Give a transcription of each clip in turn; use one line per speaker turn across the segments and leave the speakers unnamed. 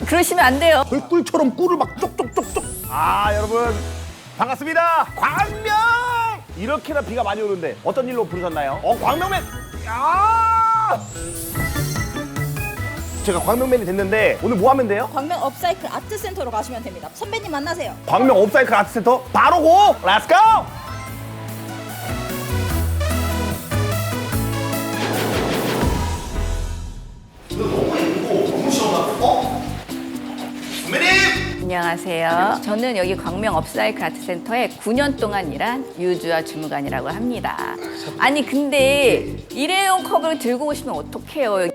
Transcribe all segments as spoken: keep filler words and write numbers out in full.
그러시면 안 돼요.
벌꿀처럼 꿀을 막 쪽쪽쪽쪽. 아, 여러분 반갑습니다. 광명! 이렇게나 비가 많이 오는데 어떤 일로 부르셨나요? 어, 광명맨! 야! 제가 광명맨이 됐는데 오늘 뭐 하면 돼요?
광명 업사이클 아트센터로 가시면 됩니다. 선배님 만나세요.
광명 업사이클 아트센터 바로 고! 렛츠고! 너무 예쁘고 너무 시원하고 어? 선배님!
안녕하세요. 저는 여기 광명 업사이클 아트센터에 구 년 동안 일한 유주아 주무관이라고 합니다. 아니 근데 일회용 컵을 들고 오시면 어떡해요?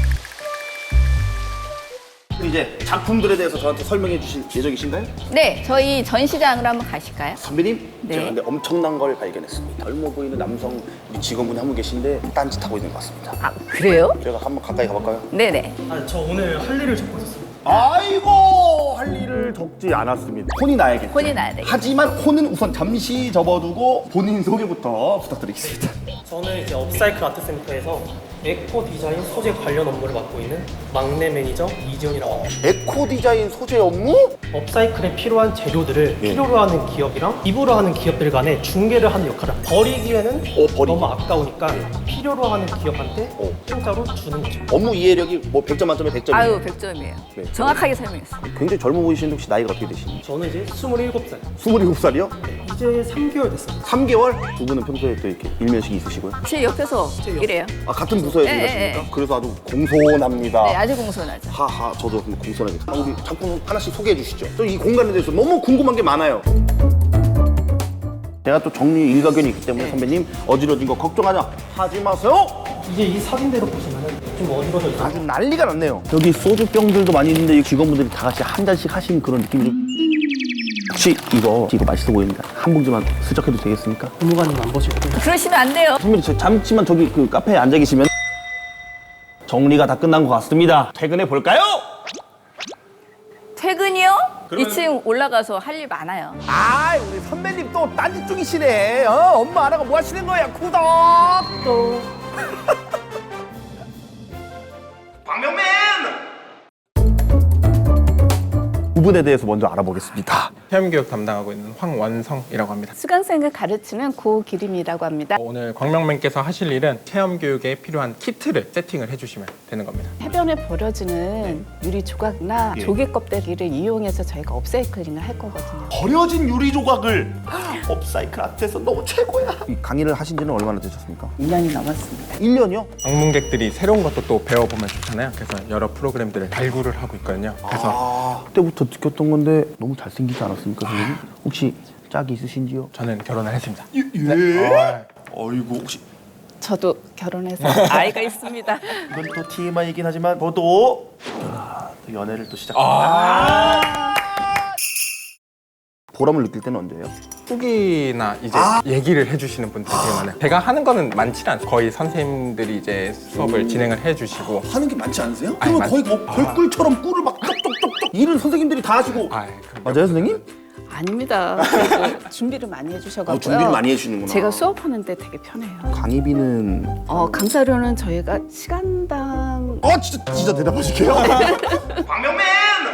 이제 작품들에 대해서 저한테 설명해 주실 예정이신가요?
네, 저희 전시장으로 한번 가실까요?
선배님,
네.
제가 근데 엄청난 걸 발견했습니다. 젊어 보이는 남성 직원분이 한 분 계신데 딴짓하고 있는 것 같습니다.
아, 그래요?
제가 한번 가까이 가볼까요?
네네.
아, 저 오늘 할 일을 적고 있었어요.
아이고, 할 일을 적지 않았습니다. 혼이 나야겠죠.
혼이 나야 되겠죠.
하지만 혼은 우선 잠시 접어두고 본인 소개부터 부탁드리겠습니다.
저는 이제 업사이클 아트센터에서 에코 디자인 소재 관련 업무를 맡고 있는 막내 매니저 이지훈이라고 합니다.
에코 디자인 소재 업무?
업사이클에 필요한 재료들을
예.
필요로 하는 기업이랑 기부로 하는 기업들 간에 중개를 하는 역할을 합니다. 버리기에는
어, 버리기.
너무 아까우니까 필요로 하는 기업한테
어.
공짜로 주는 거죠.
업무 이해력이 뭐 백 점 만점에 백 점이에요.
아유, 백 점이에요.
네.
정확하게 설명했어요.
굉장히 젊어 보이시는데 혹시 나이가 어떻게 되시니?
저는 이제 스물일곱 살.
스물일곱 살이요?
이제 삼 개월 됐어요.
삼 개월? 두 분은 평소에 또 이렇게 일면식이 있으시고요?
제 옆에서 이래요.
아, 같은 부서에서
네,
일하십니까?
네, 네.
그래서 아주 공손합니다.
네, 아주 공손하죠.
하하, 저도 한번 공손하게. 아, 우리 작품 하나씩 소개해 주시죠. 저 이 공간에 대해서 너무 궁금한 게 많아요. 제가 또 정리 일가견이 있기 때문에
네.
선배님 어지러진 거 걱정하지 하지 마세요.
이제 이 사진대로 보시면 좀 어지러져 있어요.
아주 난리가 났네요. 여기 소주병들도 많이 있는데 이 직원분들이 다 같이 한 잔씩 하신 그런 느낌이 좀. 혹시 이거 이거 맛있어 보이는데 한 봉지만 슬쩍 해도 되겠습니까?
부무관님 안 보시고
그러시면 안 돼요.
선배님, 저 잠시만 저기 그 카페에 앉아 계시면 정리가 다 끝난 것 같습니다. 퇴근해 볼까요?
퇴근이요? 이 층 올라가서 할 일 많아요.
아, 우리 선배님 또 딴짓 중이시네. 어, 엄마 안 하고 뭐 하시는 거야? 구독 또. 광명맨. 부분에 대해서 먼저 알아보겠습니다.
체험교육 담당하고 있는 황원성이라고 합니다.
수강생을 가르치는 고기림이라고 합니다.
오늘 광명맨께서 하실 일은 체험교육에 필요한 키트를 세팅을 해주시면 되는 겁니다.
해변에 버려지는 유리 조각이나
예.
조개 껍데기를 이용해서 저희가 업사이클링을 할 거거든요.
버려진 유리 조각을 업사이클 아트에서 너무 최고야. 이 강의를 하신 지는 얼마나 되셨습니까?
일 년이 넘었습니다.
일 년이요?
방문객들이 새로운 것도 또 배워보면 좋잖아요. 그래서 여러 프로그램들을 발굴을 하고 있거든요. 그래서
아, 그때부터 느꼈던 건데 너무 잘생기지 않았습니까, 선생님? 혹시 짝이 있으신지요?
저는 결혼을 했습니다.
예? 예? 어이구, 혹시
저도 결혼해서 아이가 있습니다.
이건 또 티엠아이이긴 하지만 저도 아, 또 연애를 또 시작합니다. 보람을 느낄 때는 언제예요?
후기나 이제 얘기를 해주시는 분들이 되게 많아요. 제가 하는 거는 많지 않아요. 거의 선생님들이 이제 수업을 진행을 해주시고.
하는 게 많지 않으세요?
아니,
그러면
많-
거의 뭐 벌꿀처럼 꿀을 막 쪽쪽쪽쪽 일은 선생님들이 다 하시고.
아, 그럼요.
맞아요, 선생님?
아닙니다. 그래도 준비를 많이 해주셔가지고요.
아, 준비를 많이 해주시는구나.
제가 수업하는데 되게 편해요.
강의비는
어, 강사료는 저희가 시간당
어 진짜 진짜 대답하실게요. 광명맨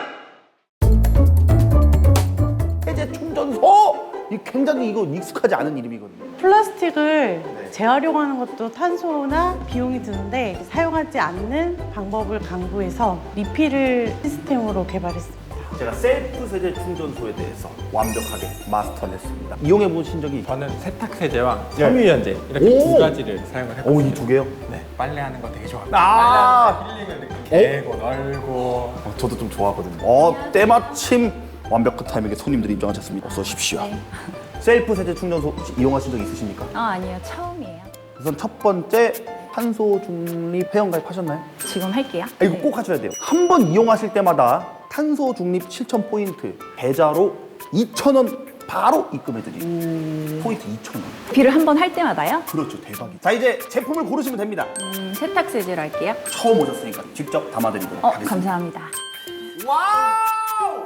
해제 충전소 이 굉장히 이거 익숙하지 않은 이름이거든요.
플라스틱을 재활용하는 것도 탄소나 비용이 드는데 사용하지 않는 방법을 강구해서 리필을 시스템으로 개발했습니다.
제가 셀프 세제 충전소에 대해서 완벽하게 마스터했습니다. 이용해 보신 적이
저는 세탁세제와
네.
섬유유연제 이렇게
오!
두 가지를 사용을 했거든요.
오, 이 두 개요?
네, 빨래하는 거 되게 좋아합니다.
아,
힐링을 이렇게 개고 널고.
어, 저도 좀 좋아하거든요. 어, 때마침 완벽한 타이밍에 손님들이 입장하셨습니다. 어서 오십시오. 셀프 세제 충전소 혹시 이용하신 적 있으십니까?
어, 아니요. 처음이에요.
우선 첫 번째 탄소 중립 회원가입 하셨나요?
지금 할게요.
아, 이거 꼭 하셔야 돼요. 한 번 이용하실 때마다 탄소 중립 실천 포인트 계좌로 이천 원 바로 입금해드리고 포인트 이천 원.
비를 한 번 할 때마다요?
그렇죠, 대박이죠. 자, 이제 제품을 고르시면 됩니다.
음, 세탁세제로 할게요.
처음 오셨으니까 직접 담아드리도록
어,
하겠습니다.
감사합니다.
와우!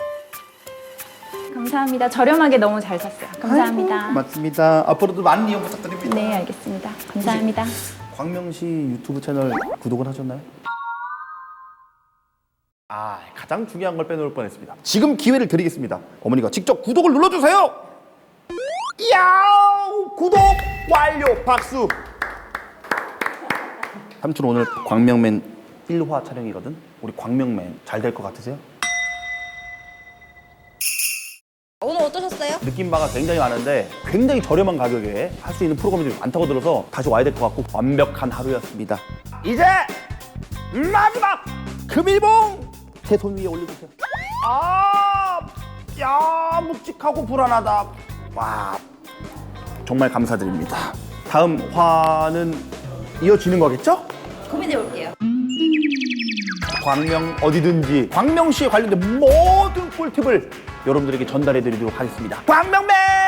감사합니다. 저렴하게 너무 잘 샀어요. 감사합니다.
맞습니다. 앞으로도 많은 이용 부탁드립니다.
네, 알겠습니다. 감사합니다.
광명시 유튜브 채널 구독은 하셨나요? 아, 가장 중요한 걸 빼놓을 뻔했습니다. 지금 기회를 드리겠습니다. 어머니가 직접 구독을 눌러주세요. 이야, 구독 완료. 박수. 삼촌 오늘 광명맨 일 화 촬영이거든. 우리 광명맨 잘 될 것 같으세요?
오늘 어떠셨어요?
느낌 바가 굉장히 많은데 굉장히 저렴한 가격에 할 수 있는 프로그램들이 많다고 들어서 다시 와야 될 것 같고 완벽한 하루였습니다. 이제 마지막 금일봉 제 손 위에 올려주세요. 아, 야, 묵직하고 불안하다. 와, 정말 감사드립니다. 다음 화는 이어지는 거겠죠?
고민해 볼게요.
광명 어디든지 광명시에 관련된 모든 꿀팁을 여러분들에게 전달해 드리도록 하겠습니다. 광명맨!